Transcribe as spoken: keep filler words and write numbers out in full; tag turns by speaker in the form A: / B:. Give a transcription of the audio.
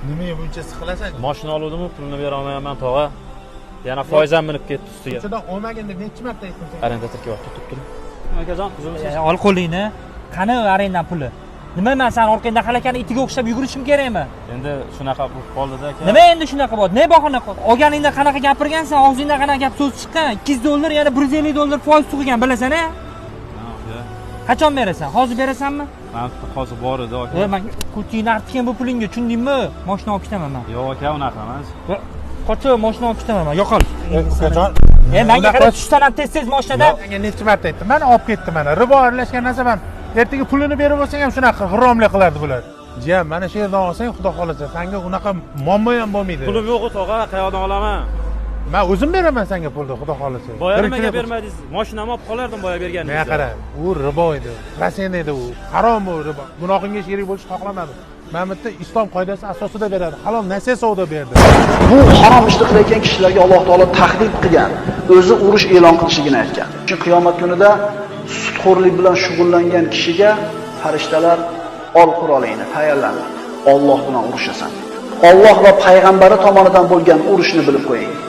A: Nimaga buncha siqilasan?
B: Mashina oluvdim, pulini bera olmayapman, tog'a. Yana foiz ham minib ketdi ustiga.
A: Uchidan olmagin deb necha marta aytdim senga?
B: Arrendatorga vaqt tutib turing. Akajon, uzunsiz.
C: Ol qo'lingni. Qani arendan puli? Nima men san orqangda halakani itiga o'xshab yugurishim kerakmi?
B: Endi shunaqa bo'lib qoldi-da aka.
C: Nima endi shunaqa bo'ldi? Ne bahona qildi? Olganingda qanaqa gapirgansan, og'zingdan qanaqa gap so'z chiqqan? ikki yuz dollar, yana bir yuz ellik dollar foiz tug'igan, bilasan-a? Qachon berasan? Hozir berasanmi?
B: Men hozir bor edi aka.
C: E, men kutingni artgan bu pulingga, tushundingmi? Mashina olib ketaman men.
B: Yo'q aka, unaqa emas.
C: Qochib mashina olib ketaman men. Yo'qol.
A: Ukajon,
C: e menga qarab tushsan ham tez-tez mashinadan.
A: Menga necha marta aytdim? Mana olib ketdi mana. Ribo aralashgan narsa ham. Ertaga pulini berib olsang ham shunaqa g'irromlik qilardi bular. Jiyan, mana shu yerdan olsang, xudo xolasa, senga unaqa muammo ham bo'lmaydi.
B: Pulim yo'q, tog'a, qayoqdan olaman?
A: Men o'zim beraman senga pulni, xudo xolasa.
B: Boya nimaga bermadingiz? Mashinamni olib qolardim boya berganingiz.
A: Men qara, u ribo edi. Rasen edi u. Harom bu ribo. Gunohingga sherik bo'lishni xohlamadim. Men bitta islom qoidasi asosida beradi. Halol nasiya savdo berdi.
D: Bu harom ishni qilayotgan kishilarga Alloh taolo tahdid qilgan, o'zi urush e'lon qilishligini aytgan. Shu qiyomat kunida sudxo'rlik bilan shug'ullangan kishiga farishtalar ol qurolingni tayyorlan. Alloh bilan urushasan. Alloh va payg'ambari tomonidan bo'lgan urushni bilib qo'ying.